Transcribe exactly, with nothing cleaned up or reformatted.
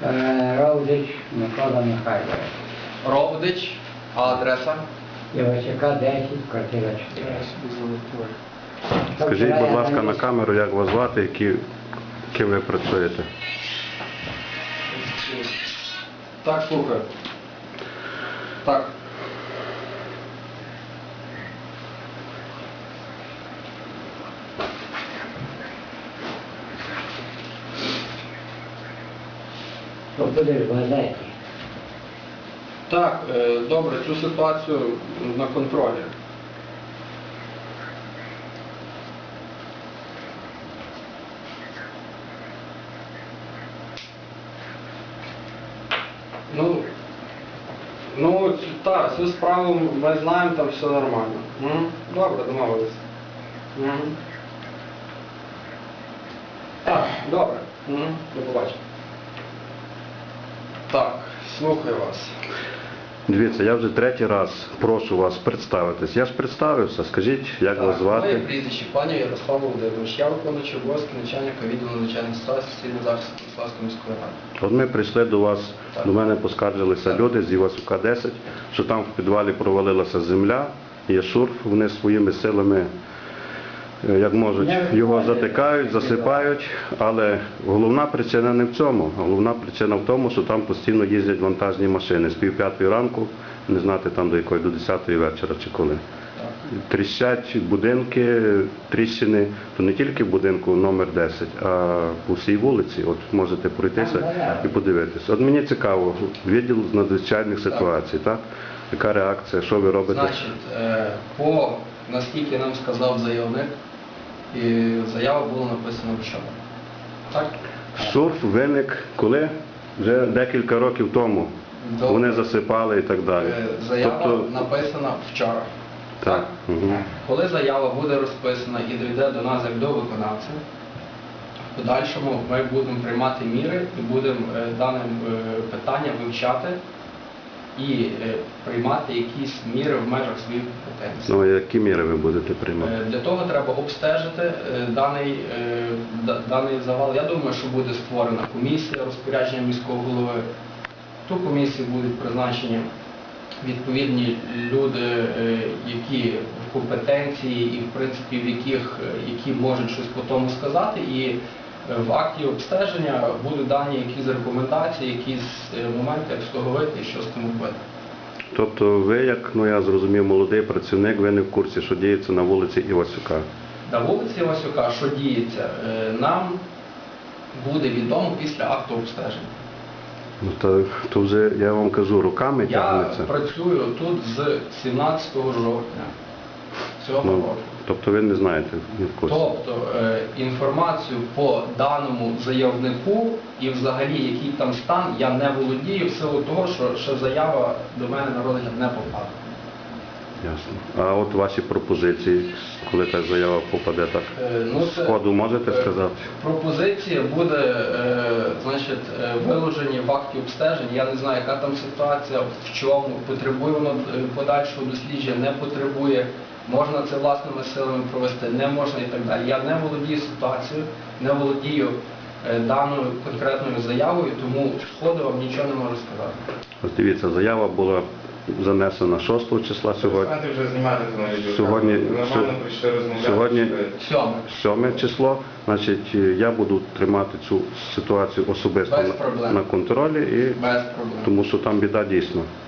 Ровдич Микола Михайлович. Ровдич, а адреса? Івасюка десять, квартира чотири. Скажіть, будь ласка, на камеру, як вас звати, які, ким ви працюєте? Так, слухаю. Так. Що будеш в газеті? Так, е, добре, цю ситуацію на контролі. Ну, ну, так, цю справу ми знаємо, там все нормально. М? Добре, домовилися. М? Так, добре. М? До побачення. Так, слухаю вас. Дивіться, я вже третій раз прошу вас представитись. Я ж представився, скажіть, як вас Моє звати? прізвище пані Ярослав Володимирович. Я виконуючий обов'язки начальника відділу надзвичайних ситуацій цивільного захисту Станіславської міської ради. От ми прийшли до вас, Так. до мене поскаржилися Так. люди з Івасюка десять, що там в підвалі провалилася земля, є шурф, вони своїми силами, е, як можуть, його затикають, засипають, але головна причина не в цьому. Головна причина в тому, що там постійно їздять вантажні машини з пів п'ятої ранку, не знати там до якої, до десятої вечора чи коли. Тріщать будинки, тріщини, то не тільки в будинку номер десять, а по всій вулиці. От можете пройтися і подивитися. От мені цікаво, відділ з надзвичайних ситуацій, так? Яка реакція, що ви робите? Значить, е, по, наскільки нам сказав заявник, і заява була написана вчора. Так? Шурф виник коли? Вже декілька років тому. Добре. Вони засипали і так далі. Е, Заява Тобто, написана вчора. так. Угу. Коли заява буде розписана і дійде до нас як до виконавця, в подальшому ми будемо приймати міри і будемо е, дане е, питання вивчати і е, приймати якісь міри в межах своїх компетенцій. Ну, а які міри ви будете приймати? Е, Для того треба обстежити е, даний, е, да- даний завал. Я думаю, що буде створена комісія розпорядження міського голови. В ту комісію будуть призначені відповідні люди, е, які в компетенції і в принципі в яких, е, які можуть щось по тому сказати. І е, в акті обстеження будуть дані якісь рекомендації, якісь е, моменти, як з того вийти і що з тим робити. Тобто ви, як, ну я зрозумів, молодий працівник, ви не в курсі, що діється на вулиці Івасюка? На вулиці Васюка, що діється, е, нам буде відомо після акту обстеження. Ну, то, то вже, я вам кажу, руками Я тягнеться. працюю тут з сімнадцятого жовтня цього Ну, року. тобто ви не знаєте, не в курсі. Тобто е, інформацію по даному заявнику і взагалі який там стан я не володію в силу того, що ще заява до мене на розгляд не попала. Ясно. А от ваші пропозиції, коли та заява попаде так, Е, ну, це, сходу можете е, сказати? Пропозиція буде е, значить, е, виложені в акті обстежень. Я не знаю, яка там ситуація, в чому, потребує воно е, подальшого дослідження, не потребує, можна це власними силами провести, не можна і так далі. Я не володію ситуацією, не володію е, даною конкретною заявою, тому сходу вам нічого не можу сказати. Ось дивіться, заява була занесена шостого числа сьогодні. Перестаньте вже знімати це на відео. Сьогодні- Ви нормально прийшли розмовляти. сьогодні- Сьоме. сьоме число, значить, я буду тримати цю ситуацію особисто Без на, проблем. на контролі, і, Без проблем. тому що там біда дійсно.